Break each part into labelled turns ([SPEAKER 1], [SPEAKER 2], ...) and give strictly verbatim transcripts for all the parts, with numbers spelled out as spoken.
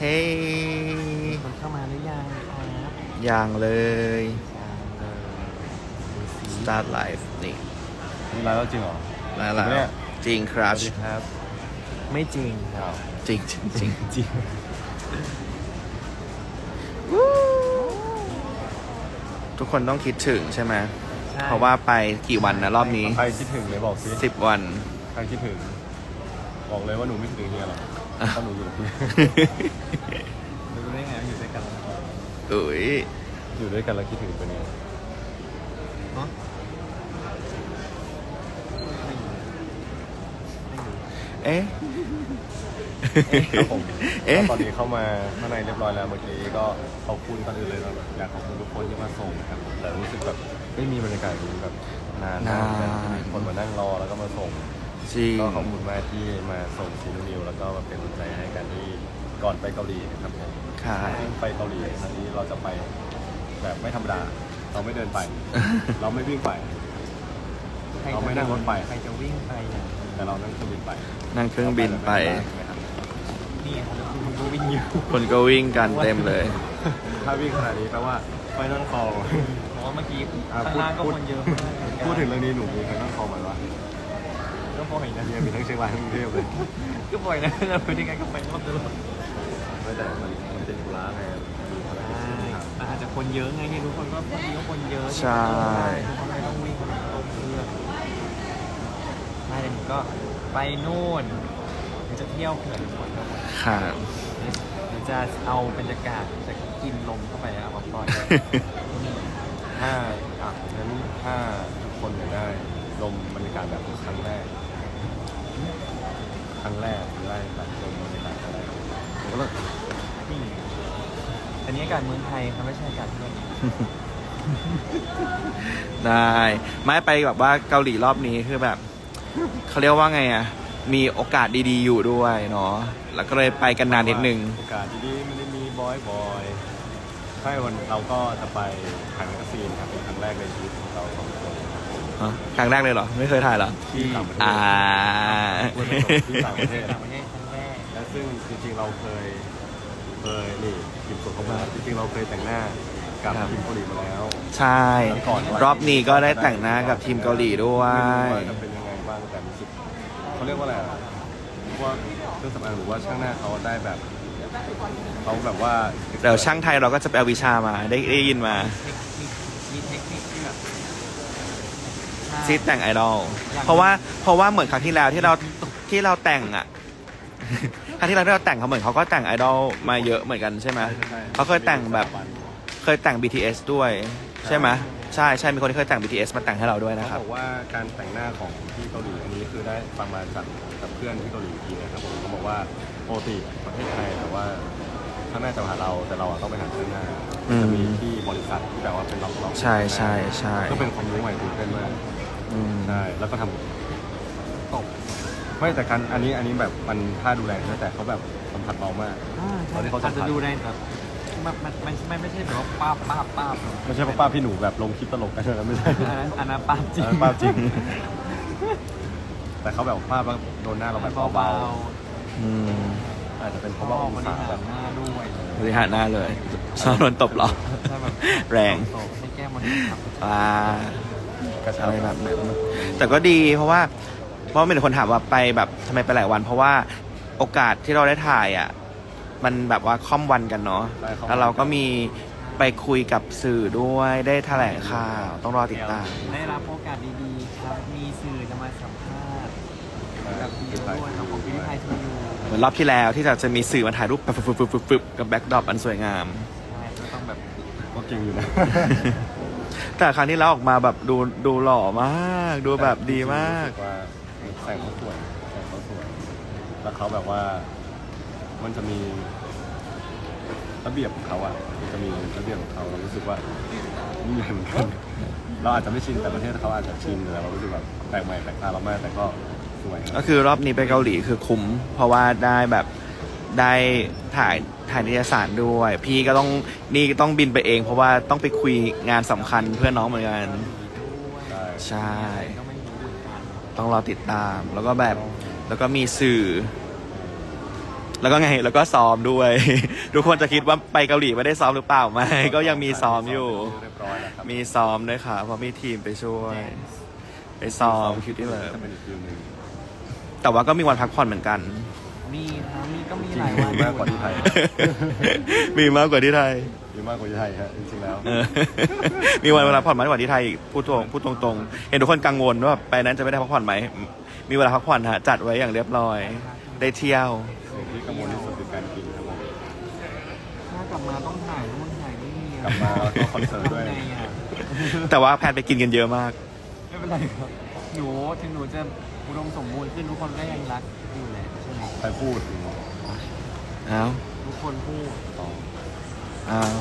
[SPEAKER 1] เฮ้ย
[SPEAKER 2] คนเข้ามาหรือยังครับ
[SPEAKER 1] ยังเลย
[SPEAKER 2] ยังเลย
[SPEAKER 1] start live นี่
[SPEAKER 3] นี่ไลฟ์แล้วจริงเหรอ
[SPEAKER 1] แล้วแล้ว
[SPEAKER 3] เนี่ย
[SPEAKER 1] จริงครั
[SPEAKER 3] ส
[SPEAKER 1] บ
[SPEAKER 3] วัสดีครับ
[SPEAKER 2] ไม่จริงครับ
[SPEAKER 1] จริงจริงจริง
[SPEAKER 3] จริง
[SPEAKER 1] ทุกคนต้องคิดถึงใช่ไหม
[SPEAKER 2] ใช่
[SPEAKER 1] เพราะว่าไปกี่วันนะรอบนี้
[SPEAKER 3] ใครคิดถึงเลยบอกสิ
[SPEAKER 1] สิบวัน
[SPEAKER 3] ใครคิดถึง บอกเลยว่าหนูไม่คิดถึงเฮียหรอกถ้าหนูอยู่กับพี่
[SPEAKER 2] รู้ได้ไงว่าอยู่ด้วยกันแล้ว
[SPEAKER 1] อุ้ย
[SPEAKER 3] อยู่ด้วยกันแล้วคิดถึงเป็นไง
[SPEAKER 2] เนาะไม่รู้ไม่รู้
[SPEAKER 1] เอ๊ะ
[SPEAKER 3] ครับผม
[SPEAKER 1] เอ๊ะ
[SPEAKER 3] แล้วตอนนี้เข้ามาข้างในเรียบร้อยแล้วเมื่อกี้ก็ขอบคุณก่อนอื่นเลยนะอยากขอบคุณทุกคนที่มาส่งนะครับแต่รู้สึกแบบไม่มีบรรยากาศนี้แบบนานมากแบบมีคนมานั่งรอแล้วก็มาส่ง
[SPEAKER 1] จริง
[SPEAKER 3] ก็ขอบคุณมากที่มาส่งซีนูนิวแล้วก็มาเป็นกำลังใจให้กันที่ก่อนไปเกาหลีนะครับผม
[SPEAKER 1] ค่ะ
[SPEAKER 3] ซึ่งไปเกาหลีครั้งนี้เราจะไปแบบไม่ธรรมดา เราไม่เดินไป เราไม่วิ่งไป
[SPEAKER 2] ใคร
[SPEAKER 3] เรา
[SPEAKER 2] จะ
[SPEAKER 3] ไม่นั่งรถไป
[SPEAKER 2] ใครจะวิ่งไปอ่ะ
[SPEAKER 3] แต่เรานั่งเครื่องบินไป
[SPEAKER 1] นั่งเครื่องบินไป
[SPEAKER 2] นี่ครับคุณก็วิ่งอยู่
[SPEAKER 1] คนก็วิ่งกันเต็มเลย
[SPEAKER 3] ถ้าวิ่งขนาดนี้แปลว่าไฟนั่งคอ
[SPEAKER 2] เพราะว่าเมื่อกี้
[SPEAKER 3] อ่ะ
[SPEAKER 2] ข้างล่างก็
[SPEAKER 3] พูด
[SPEAKER 2] คนเยอะมากเหมือนกัน
[SPEAKER 3] พูดถึงเรื่องนี้หนูมีไฟนั่งคอไหมวะ
[SPEAKER 2] ก็บ่อยนะ
[SPEAKER 3] เนี่ยมีทั้งเชียงรายทั้งกรุงเทพเลย
[SPEAKER 2] ก็บ่อยนะเราไปยังไงก็ไปรอบตลอด
[SPEAKER 3] ไม่แต่มันมันติดธุระไงมีภารกิจที่ต้องทำ
[SPEAKER 2] อาจจะคนเยอะไงเนี่ยทุกคนก็บางทีก็คนเยอะ
[SPEAKER 1] ใช่
[SPEAKER 2] ทุกคนไม่ต้องวิ่งคนตกเครื่องไม่แต่หนูก็ไปนู่นหนูจะเที่ยวเขื่อนทุกคนก็หมด
[SPEAKER 1] ค่ะ
[SPEAKER 2] หนูจะเอาบรรยากาศจะกินลมเข้าไปเอามาปล่อย
[SPEAKER 3] ถ้าอ่ะงั้นถ้าทุกคนอยากได้ลมบรรยากาศแบบครั้งแรก ครั้งแรกหรือได้แบบลมบรรยากาศอะไรก็เลิก
[SPEAKER 2] นี่อันนี้อากาศเมืองไทยครับไม่ใช่อากาศที่นู่น
[SPEAKER 1] ได้ไม่ไปแบบว่าเกาหลีรอบนี้คือแบบเขาเรียกว่าไงอ่ะ มีโอกาสดีๆอยู่ด้วยเนาะแล้วก็เลยไปกันนานนิดนึง
[SPEAKER 3] โอกาสดีๆไม่ได้มีบอยบอยใช่วันเราก็จะไปถ่ายแมกกาซีนครับเป็นครั้งแรกในชีวิตของเราสองคน
[SPEAKER 1] ฮะครั้งแรกเลยเหรอ ไม่เคยถ่ายเหรอ
[SPEAKER 3] ที่ต่างประเทศ
[SPEAKER 1] อ่า
[SPEAKER 3] ที่ต่างประเทศ
[SPEAKER 2] ต่างประเทศครั้งแรก
[SPEAKER 3] และซึ่งจริงๆเราเคยเคยนี่ทีมส่วนของเราจริงๆเราเคยแต่งหน้ากับ
[SPEAKER 1] ครับ
[SPEAKER 3] ทีมเกาหลีมาแล้ว
[SPEAKER 1] ใช่ รอบนี้ก็ได้แต่งหน้ากับทีมเกาหลีด้วย
[SPEAKER 3] ไม่รู้ว่าจะเป็นยังไงบ้างแต่รู้สึกเขาเรียกว่าอะไรอะว่าเครื่องสำอางหรือว่าช่างหน้าเขาได้แบบเขาแบบว่า
[SPEAKER 1] เดี๋ยวช่างไทยเราก็จะไปเอาวิชามาได้ได้ยินมา
[SPEAKER 2] เทคนิคมีเทคนิคที่แบบ
[SPEAKER 1] ซีแต่งไอดอลเพราะว่าเพราะว่าเหมือนครั้งที่แล้วที่เราที่เราแต่งอ่ะ ครั้งที่เราที่เราแต่งเขาเหมือนเขาก็แต่งไอดอลมาเยอะเหมือนกันใช่ไหม
[SPEAKER 3] ใช่
[SPEAKER 1] เขาเคยแต่งแบบ เคยแต่ง บี ที เอส ด้วย ใช่ไหมใช่ใช่มีคนที่เคยแต่ง บี ที เอส มาแต่งให้เราด้วยนะค
[SPEAKER 3] เขา
[SPEAKER 1] รับ
[SPEAKER 3] บอกว่าการแต่งหน้าของที่เกาหลีอันนี้คือได้ฟังมาจากจากเพื่อนที่เกาหลีอีกทีนะครับผมเขาบอกว่าปกติประเทศไทยแต่ว่าข้างหน้าจะมาหาเราแต่เราอะต้องไปหาข้างหน้า
[SPEAKER 1] อืม
[SPEAKER 3] จะมีที่บริษัทที่แบบว่าเป็นล็อกๆ
[SPEAKER 1] ใช่ใช่ใช่
[SPEAKER 3] ก็เป็นความรู้ใหม่ตื่นเต้นมาก
[SPEAKER 1] อืม
[SPEAKER 3] ใช่แล้วก็ทำตกไม่แต่การอันนี้อันนี้แบบมันท่าดูแลนะแต่เขาแบบสัมผัสเบามาก
[SPEAKER 2] อ่า
[SPEAKER 3] ตอนที่เขาสั
[SPEAKER 2] อาจ
[SPEAKER 3] มผัส
[SPEAKER 2] จะดูได้แบบมันมันมันไม่ไม่ใช่แบบว่าป้าบป้าบป้าบ
[SPEAKER 3] ไม่ใช่ป้าพี่หนูแบบลงคลิปตลกกันนะไม่ใช่
[SPEAKER 2] อันนั้นอันนั้นป้าบจริง
[SPEAKER 3] อันนั้นป้าจริง แต่เขาแบบป้าบแล้วโดนหน้าเราแบบ
[SPEAKER 2] เบา
[SPEAKER 3] เบา
[SPEAKER 1] อืม
[SPEAKER 3] ๆอาจจะเป็นเพ
[SPEAKER 2] ๆ
[SPEAKER 3] ราะว่าอง
[SPEAKER 2] บริ
[SPEAKER 3] ศา
[SPEAKER 2] หา
[SPEAKER 3] แบ
[SPEAKER 2] ร
[SPEAKER 3] บ
[SPEAKER 2] หน้าด้วย
[SPEAKER 1] บริหารหน้าเลยชอบโดนตบเหรอ
[SPEAKER 2] ใช่แบบ
[SPEAKER 1] แรง
[SPEAKER 2] ตบให้แก้มมันขับ
[SPEAKER 1] อ่า
[SPEAKER 3] กระชั
[SPEAKER 1] อะ
[SPEAKER 3] บ
[SPEAKER 1] ไรแบบนั้นแต่ก็ดีเพราะว่า เพราะมีแต่คนถามว่าไปแบบทำไมไปหลายวัน เพราะว่าโอกาสที่เราได้ถ่ายอ่ะ มันแบบว่าค่อมวันกันเนาะแล้วเราก็มีไปคุยกับสื่อด้วยได้แถลงข่าวต้องรอติดตาม
[SPEAKER 2] ได้รับโอกาสดีๆครับมีสื่อจะมาสัมภาษณ์กับพี่ด้วยครับของพี่ไทยทูยู
[SPEAKER 1] เหมือนรอบที่แล้วที่จะจะมีสื่อมาถ่ายรูปแบบฟึบๆๆๆกับแบ็กดรอปอันสวยงาม
[SPEAKER 2] ใช่ก็ต้องแบบ
[SPEAKER 3] ก็จริงอยู่นะ
[SPEAKER 1] แต่ครั้งที่เราออกมาแบบดูดูหล่อมาก ดูแบบดีมาก
[SPEAKER 3] รู้สึว่าแสงเขาสวยแสงเขาสวยแล้วเขาแบบว่ามันจะมีระเบียบของเขาอ่ะมันจะมีระเบียบของเขาเรารู้สึกว่านี่เหมือนกันเราอาจจะไม่ชินแต่ประเทศเขาอาจจะชินแต่เรารู้สึกแบบแปลกใหม่แปลกตาเรามากแต่ก็สวย
[SPEAKER 1] ก็คือรอบนี้ไปเกาหลีคือคุ้ม เพราะว่าได้แบบได้ถ่ายถ่ายนิตยสารด้วย พี่ก็ต้องนี่ต้องบินไปเอง เพราะว่าต้องไปคุยงานสำคัญเพื่อนน้องเหมือนกัน
[SPEAKER 3] ใช่
[SPEAKER 1] ใช่
[SPEAKER 2] ก็ไม่รู้เหมือนกัน
[SPEAKER 1] ต้องรอติดตาม แล้วก็แบบแล้วก็มีสื่อแล้วก็ไงแล้วก็ซ้อมด้วย ทุกคนจะคิดว่าไปเกาหลีไม่ได้ซ้อมหรือเปล่าไม่ก็ยังมีซ้อมอยู่
[SPEAKER 3] เรียบร้อยแล้วครับ
[SPEAKER 1] มีซ้อมด้วยค่ะเพราะมีทีมไปช่วย ไปซ้อมคิวที่เลิฟ
[SPEAKER 3] จะเป็นอีกฟิลหนึ่ง
[SPEAKER 1] แต่ว่าก็มีวันพักผ่อนเหมือนกัน
[SPEAKER 2] มีครับมีก็มี
[SPEAKER 3] จริ
[SPEAKER 2] ห
[SPEAKER 3] ง
[SPEAKER 2] ลาย
[SPEAKER 3] ๆ
[SPEAKER 2] วัน
[SPEAKER 3] มีมากกว่าที่ไทย
[SPEAKER 1] มีมากกว่าที่ไทย
[SPEAKER 3] มีมากกว่าที่ไทยฮะจริงๆแล้ว
[SPEAKER 1] เออ มีวันเวลาพักผ่อนมากกว่าที่ไทยอีกพูดตรงพูดตรงๆ เห็นทุกคนกังวลว่าไปนั้นจะไม่ได้พักผ่อนไหม มีเวลาพักผ่อนฮะจัดไว้อย่างเรียบร้อย ได้เที่ยว
[SPEAKER 3] สิ่งที่กังวลที่สุดคือการกินครับผม
[SPEAKER 2] ถ้ากลับมาต้องถ่ายนู่นถ่ายนี่อะ
[SPEAKER 3] กลับมาแล้วก็คอนเสิร์ตด้วย
[SPEAKER 2] ทำไงอะ
[SPEAKER 1] แต่ว่าแพนไปกินกันเยอะมาก
[SPEAKER 2] ไม่เป็นไรครับหนูถึงหนูจะอุดมสมบูรณ์ขึ้นทุกคนก็ยังรักอยู่แหละใช่ไหม
[SPEAKER 3] ใครพูด
[SPEAKER 1] อ้าว
[SPEAKER 2] ทุกคนพูด
[SPEAKER 3] ต่อ
[SPEAKER 1] อ้าว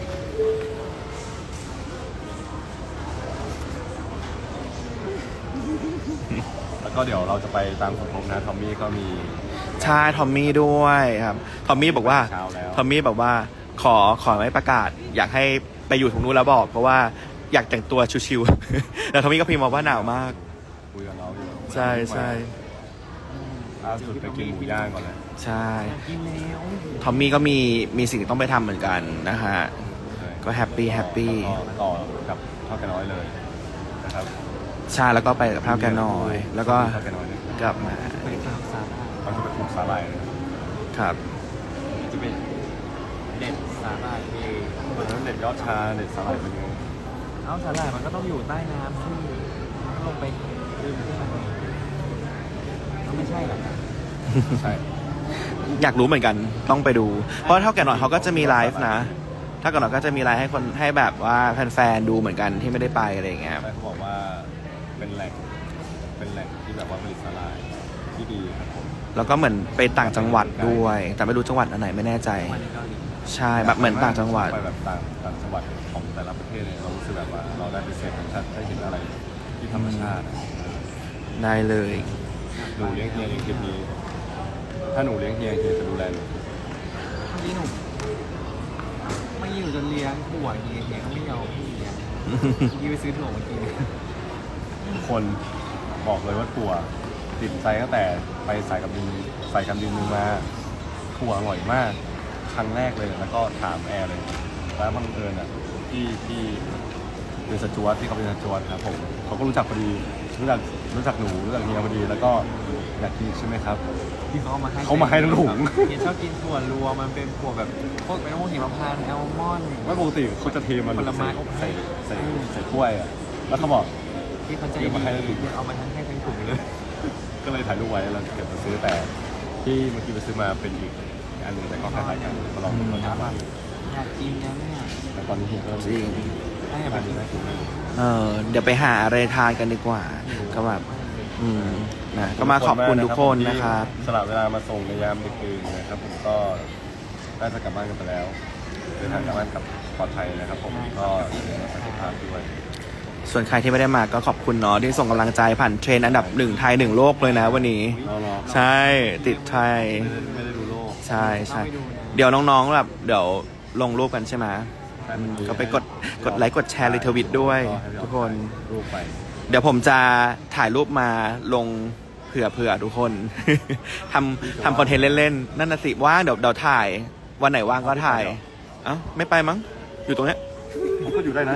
[SPEAKER 3] แล้วก็เดี๋ยวเราจะไปตามสมทบนะทอมมี่ก็มี
[SPEAKER 1] ใช่ทอมมี่ด้วยครับ ทอมมี่บอกว่า
[SPEAKER 3] เช้าแล้ว
[SPEAKER 1] ทอมมี่บอกว่าขอขอไม่ประกาศ อยากให้ไปอยู่ตรงนู้นแล้วบอก เพราะว่าอยากแต่งตัวชิวๆ แต่ทอมมี่ก็พิมพ์มาว่าหนาวมาก
[SPEAKER 3] คุยกับเราอยู่
[SPEAKER 1] ใช่ใช่
[SPEAKER 3] ล่าสุดไปกินหมูย่างก่อนเลย
[SPEAKER 1] ใช่
[SPEAKER 2] กินแล้ว
[SPEAKER 1] ทอมมี่ก็มีมีสิ่งที่ต้องไปทำเหมือนกันนะฮะ ก็แฮปปี้แฮปปี้
[SPEAKER 3] ก็ต่อกับทอดกันน้อยเลยนะครับ
[SPEAKER 1] ใช่แล้วก็ไปกับพร้าวแกน้อย แล้วก็
[SPEAKER 3] ทอดกันน้อยเลย
[SPEAKER 1] กลับมา
[SPEAKER 2] ไปตามสาระ
[SPEAKER 3] เขาจะไปปลูกสาหร่ายเลย
[SPEAKER 1] ครับ
[SPEAKER 2] จะเป็นเด็ดสาหร่ายเอง
[SPEAKER 3] แล้วเด็ดยอดชาเด็ดสาหร่ายเป็นยังไง
[SPEAKER 2] เอาสาหร่ายมันก็ต้องอยู่ใต้น้ำซึ่งมันก็ลงไปดึงขึ้นมามันไม่ใช่หรอกนะ
[SPEAKER 3] ใช่
[SPEAKER 1] อยากรู้เหมือนกันต้องไปดู เพราะเท่าแก่หน่อยเขาก็จะมีไลฟ์นะถ้าแก่หน่อยก็จะมีไลฟ์ให้คนให้แบบว่าแฟนๆดูเหมือนกันที่ไม่ได้ไปอะไรอย่างเงี้ย
[SPEAKER 3] ใช่เขาบอกว่าเป็นแหล่งเป็นแหล่งที่แบบว่าผลิตสาหร่ายที่ดีครับผม
[SPEAKER 1] แล้วก็เหมือนไปต่างจังหวัดด้วย แต่ไม่รู้จังหวัดอันไหนไม่แน่ใจ
[SPEAKER 2] มันเกาหลี
[SPEAKER 1] ใช่แบบเหมือนต่างจังหวัด
[SPEAKER 3] ไปแบบต่างต่างจังหวัดของแต่ละประเทศเนี่ยเรารู้สึกแบบว่าเราได้ไปเสพธรรมชาติได้เห็นอะไรที่ธรรมชาติอะ
[SPEAKER 1] ได้เลย
[SPEAKER 3] หนูเลี้ยงเฮียเลี้ยงคลิปนี้ ถ้าหนูเลี้ยงเฮียเฮียจะดูแลหนู
[SPEAKER 2] เมื่อกี้หนูไม่อยู่จนเลี้ยงถั่วเฮียเฮียก็ไม่ยอมพี่เลี้ยงยี่ไปซื้อถั่วมากิน
[SPEAKER 3] ทุกคนบอกเลยว่าถั่วติดใจตั้งแต่ไปสายกับดินสายการบินนึงมาถั่วอร่อยมาก ครั้งแรกเลยแล้วก็ถามแอร์เลย แล้วบังเอิญอ่ะที่ที่เป็นสจวตที่เขาเป็นสจวตครับผมเขาก็รู้จักพอดีรู้จักรู้จักหนูรู้จักเฮียพอดีแล้วก็อยากกินใช่ไหมครับ
[SPEAKER 2] ที่เขาเอามาให้
[SPEAKER 3] เขามาให้ทั้งถุง
[SPEAKER 2] เฮียชอบกินถั่วรวมมันเป็นถั่วแบบพวกเป็นพวกหิมพานต์แอลมอนด์
[SPEAKER 3] ไม่ปกติเขาจะเทมัน
[SPEAKER 2] ผลไม้อบ
[SPEAKER 3] ใส่ใส่ใส่ถ้วยอ่ะแล้วเขาบอก
[SPEAKER 2] ที่เขาใจ
[SPEAKER 3] เดี๋
[SPEAKER 2] ดี
[SPEAKER 3] ยวมาให้ทั้งถุง
[SPEAKER 2] เฮียเอามาทั้งให้ทั้งถุงเลย
[SPEAKER 3] ก็เลยถ่ายรูปไว้แล้วเก็บมาซื้อแต่ที่เมื่อกี้ไปซื้อมาเป็นอีกอันหนึ่งแต่ก็คล้ายๆกันก็ลองดูรสชาติบ้าง
[SPEAKER 2] อยากกินนะเนี่ย
[SPEAKER 3] แต่ตอนนี้เฮียก็
[SPEAKER 1] จริง
[SPEAKER 2] ให้อยากไป
[SPEAKER 3] อัน
[SPEAKER 2] กิ
[SPEAKER 3] นี้
[SPEAKER 2] น
[SPEAKER 3] น่ากินมาก
[SPEAKER 1] เออเดี๋ยวไปหาอะไรทานกันดีกว่า ก็แบบ อืมนะก็มาขอบคุณทุกคนนะครับ
[SPEAKER 3] สละเวลามาส่งในยามดึกดื่นนะครับผมก็น่าจะกลับบ้านกันไปแล้วเดินทางกลับบ้านกับปลอดภัยนะครับผมก็ดูแลสุขภาพด้วย
[SPEAKER 1] ส่วนใครที่ไม่ได้มาก็ขอบคุณเนาะที่ส่งกำลังใจผ่านเทรนด์อันดับหนึ่งไทยหนึ่งโลกเลยนะวันนี้
[SPEAKER 3] รอรอ
[SPEAKER 1] ใช่ติดไทย
[SPEAKER 3] ไม่ได้ไม่ได้ดูโลก
[SPEAKER 1] ใช่ใช่เดี๋ยวน้องๆแบบเดี๋ยวลงรูปกันใช่ไหม
[SPEAKER 3] ใช่มันมี
[SPEAKER 1] ก็ไปกดกดไลค์กดแชร์รีทวิตด้วย
[SPEAKER 3] ให้เรา
[SPEAKER 1] ทุกคน
[SPEAKER 3] ถ่ายรูปไป
[SPEAKER 1] เดี๋ยวผมจะถ่ายรูปมาลงเผื่อเผื่อทุกคน ทำทำคอนเทนต์เล่นๆ นั่นน่ะสิว่างเดี๋ยวเดี๋ยวถ่าย วันไหนว่างก็ถ่าย เอ้าไม่ไปมั้ง อยู่ตรงเนี้ย
[SPEAKER 3] ผมก็อยู่ได้นะ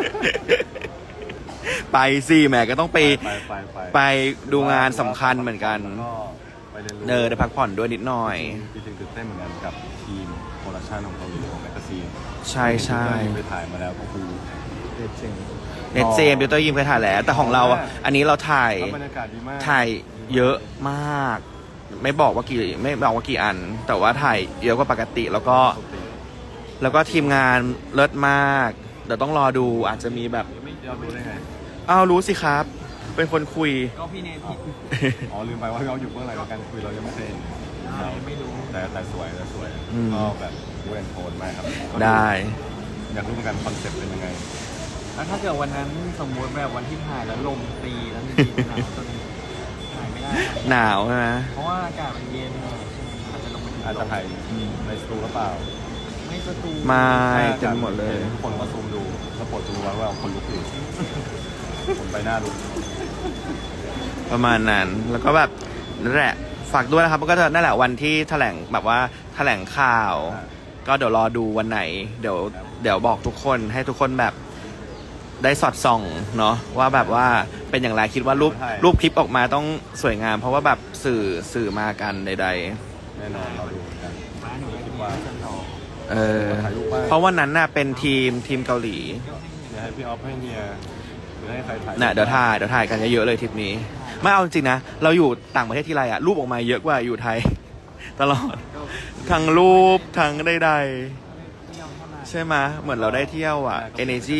[SPEAKER 1] ไปสิแหมก็ต้องไป
[SPEAKER 3] ไปไปไป
[SPEAKER 1] ไปดูงานสำคัญเหมือนกัน
[SPEAKER 3] แล้วก็ไปเรียนรู้
[SPEAKER 1] เนอได้พักผ่อนด้วยนิดหน่อย
[SPEAKER 3] จริงๆตื่นเต้นเหมือนกันกับทีมโปรดักชันของเกาหลีของแมกกาซีน
[SPEAKER 1] ใช่ใช่
[SPEAKER 3] ที่ไปถ่ายมาแล้วก็คือ
[SPEAKER 2] เด็ดจริง
[SPEAKER 1] เนตเจมบิวเตอร์ยิมเคยถ่ายแล้ว แต่ของเราอ่ะอันนี้เราถ่าย
[SPEAKER 3] แล้วบรรยากาศดีมาก
[SPEAKER 1] ถ่ายเยอะมาก ไม่บอกว่ากี่ไม่บอกว่ากี่อัน แต่ว่าถ่ายเยอะกว่าปกติแล้วก็
[SPEAKER 3] ปกติ
[SPEAKER 1] แล้วก็ทีมงานเลิศมาก เดี๋ยวต้องรอดูอาจจะมีแบบ
[SPEAKER 3] ไม่เรารู้ได้ไง
[SPEAKER 1] อ้าวรู้สิครับ เป็นคนคุย
[SPEAKER 2] ก็พี่เนทิ
[SPEAKER 3] อ๋อลืมไปว่าเราอยู่เบื้องหลังการคุยเรายังไม่เคยเห็นเรา
[SPEAKER 2] ไม่รู้
[SPEAKER 3] แต่แต่สวยแต่สวย
[SPEAKER 1] อืม
[SPEAKER 3] ก็แบบดูแอนโทนมากครับ
[SPEAKER 1] ได้
[SPEAKER 3] อยากรู้เหมือนกันคอนเซ็ปต์เป็นยังไง
[SPEAKER 2] แล้วถ้าเกิดวันนั้นสมมติแบบวันที่ถ่ายแล้วลมตีแล้วมีหนาวจนถ่ายไม่ได้
[SPEAKER 1] หนาวใช่ไหม
[SPEAKER 2] เพราะว่าอากาศมันเย็นอาจจะลงไป
[SPEAKER 3] อาจจะถ่ายในสตูหรือเปล่า
[SPEAKER 2] ไม่สตู
[SPEAKER 1] ไม่เต็มหมดเลย
[SPEAKER 3] ทุกคนมาซูมดูแล้วปวดดูไว้ว่าคนลุกอยู่คนไปหน้าลุก
[SPEAKER 1] ประมาณนั้น แล้วก็แบบนั่นแหละฝากด้วยนะครับก็จะนั่นแหละวันที่แถลงแบบว่าแถลงข่าว ก็เดี๋ยวรอดูวันไหน เดี๋ยวเดี๋ยวบอกทุกคนให้ทุกคนแบบได้สอดส่องเนาะว่าแบบว่าเป็นอย่างไรคิดว่ารูปรูปคลิปออกมาต้องสวยงาม เพราะว่าแบบสื่อสื่อมากันใด
[SPEAKER 3] แน่นอนเราดูกัน
[SPEAKER 2] มาหนูคิดว่าจะต่อ
[SPEAKER 1] ๆ เออ
[SPEAKER 3] ถ่ายรูปบ้าง
[SPEAKER 1] เพราะวันนั้นน่ะเป็นทีมทีมเกาหลี
[SPEAKER 3] เดี๋ยวให้พี่ออฟให้เฮียหรือให้ใครถ่าย
[SPEAKER 1] น่ะเดี๋ยวถ่ายเดี๋ยวถ่ายกันเยอะๆเลยทริปนี้ ไม่เอาจริงๆนะ เราอยู่ต่างประเทศที่ไรอะรูปออกมาเยอะกว่าอยู่ไทย ตลอด ทั้งรูปทั้งใดๆใช่ไหมเหมือนเราได้เที่ยวอะ energy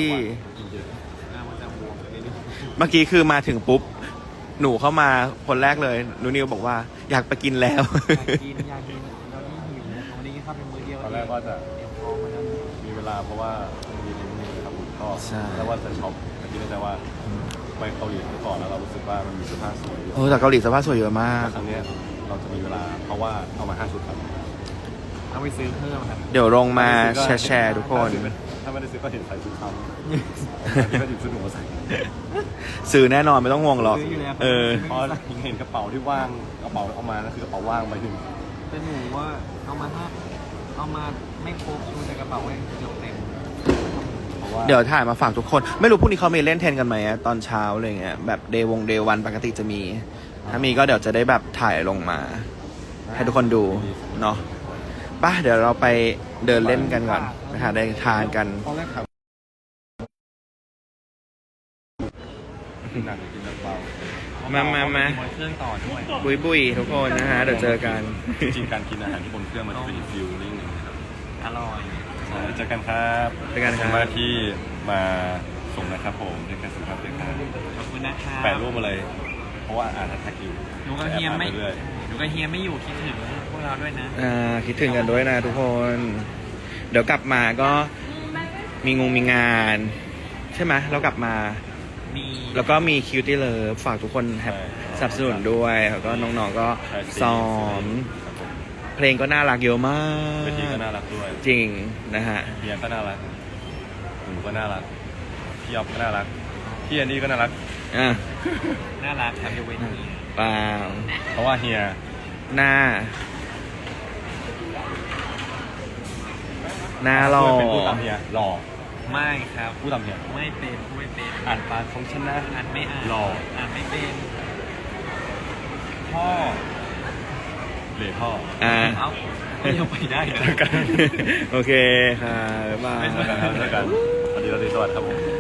[SPEAKER 1] เมื่อกี้คือมาถึงปุ๊บ หนูเข้ามาคนแรกเลยหนูนิวบอกว่าอยากไปกินแล้ว
[SPEAKER 2] อยากกินอยากกินเราที่หิววันนี้เข้าเป็นมื้อเดียว
[SPEAKER 3] ตอนแรกว่าจะ
[SPEAKER 2] เตรียมท้องมาแล้ว
[SPEAKER 3] มีเวลาเพราะว่ามีนิดนึงครับผมก็
[SPEAKER 1] ใช่
[SPEAKER 3] แล้วว่าจะช็อปแต่คิดในใจว่าไปเกาหลีก่อนแล้วเรารู้สึกว่ามันมีเสื้อผ้าสวย
[SPEAKER 1] โอ้แต่เกาหลีสภาพสวยเยอะมาก
[SPEAKER 3] แล้วครั้งเนี้ยเราจะมีเวลาเพราะว่าเอามาห้าชุดครับ
[SPEAKER 2] เอาไปซื้อเพิ่มครับ
[SPEAKER 1] เดี๋ยวลงมาแชร์แชร์ทุกคน
[SPEAKER 3] ถ้าไม่ได้ซื้อก็เห็นใส่ชุดทำก็หยิบชุดหนูมาใส่
[SPEAKER 1] ซื้อแน่นอนไม่ต้องห่วงหรอก
[SPEAKER 2] ซื้ออยู่แล้ว
[SPEAKER 1] เออ
[SPEAKER 3] เพราะเห็นกระเป๋าที่ว่างกระเป๋าเอามานั่นคือกระเป๋าว่างใบหนึ่ง
[SPEAKER 2] แต่หนูว่าเอามาห้าเอามาไม่ครบดูในกระเป๋าไว้เกือบเต็ม
[SPEAKER 3] เพราะว่า
[SPEAKER 1] เดี๋ยวถ่ายมาฝากทุกคน ไม่รู้พรุ่งนี้เขามีเล่นเทนกันไหมอะตอนเช้าอะไรเงี้ยแบบเดย์วงเดย์วันปกติจะมี ถ้ามีก็เดี๋ยวจะได้แบบถ่ายลงมา ให้ทุกคนดูเนาะป่ะเดี๋ยวเราไปเดินเล่นกันก่อนไปหาได้ทานกัน
[SPEAKER 3] ตอนแรกถามกินหนักหรือกินน้ำเปล่า
[SPEAKER 1] มามามา
[SPEAKER 2] บนเครื่องต่อด้วย
[SPEAKER 1] บุยบุยทุกคนนะฮะเดี๋ยวเจอกัน
[SPEAKER 3] จริงๆการกินอาหารที่บนเครื่องมันจะเป็นอีกฟิลลิ่งหนึงนะครับ
[SPEAKER 2] อร่อย
[SPEAKER 3] ใช่เจอกันครับ
[SPEAKER 1] เจอกันครับ
[SPEAKER 3] ขอบณมากที่มาส่งนะครับผมเจอกันสุขภาพเจอกัน
[SPEAKER 2] ขอบคุณนะครับ
[SPEAKER 3] แปะรูปมาเลย เพราะว่าอ่านแท็กอยู่
[SPEAKER 2] หนูกับเฮียไม่
[SPEAKER 3] เรื่อย
[SPEAKER 2] หนูกับเฮียไม่อยู่คิดถึงพวกเราด้วยนะ
[SPEAKER 1] อ่าคิดถึงกันด้วยนะทุกคน เดี๋ยวกลับมาก็มีงงมีงาน ใช่ไหมเรากลับมา
[SPEAKER 2] มี
[SPEAKER 1] แล้วก็มีคิวตี้เลิฟฝากทุกคนแฮปสนับสนุนด้วยแล้วก็น้องๆก็
[SPEAKER 3] ๆใช่
[SPEAKER 1] ซ้อม
[SPEAKER 3] ครับผม
[SPEAKER 1] เพลงก็น่ารักเยอะมาก
[SPEAKER 3] เวทีก็น่ารักด้วย
[SPEAKER 1] จริงนะฮะ
[SPEAKER 3] เฮียก็น่ารักหนูก็น่ารักพี่อ๊อฟก็น่ารักพี่แอนนี่ก็น่ารัก
[SPEAKER 1] อ่ะ
[SPEAKER 2] น่ารักครับยกเว้นเฮีย
[SPEAKER 1] เปล่า
[SPEAKER 3] เพราะว่าเฮีย
[SPEAKER 1] หน้า หน้าหล่อ
[SPEAKER 3] เป็นผู้ตามเฮียหล่อ
[SPEAKER 2] ไม่ครับ
[SPEAKER 3] ผู้ตามเฮีย
[SPEAKER 2] ไม่เป็นไม่เป็น
[SPEAKER 3] อ่านปากของฉันนะ
[SPEAKER 2] อ่านไม่อ่าน
[SPEAKER 3] หล่อ
[SPEAKER 2] อ่านไม่เป็นพ่อ
[SPEAKER 3] เหล่พ่อ
[SPEAKER 1] อ่า
[SPEAKER 2] เอ้าก็ยังไปได้นะ
[SPEAKER 1] โอเคค่ะบ๊ายบาย
[SPEAKER 3] ไม่เจอกันครับเจอกันสวัสดีราตรีสวัสดิ์ครับผม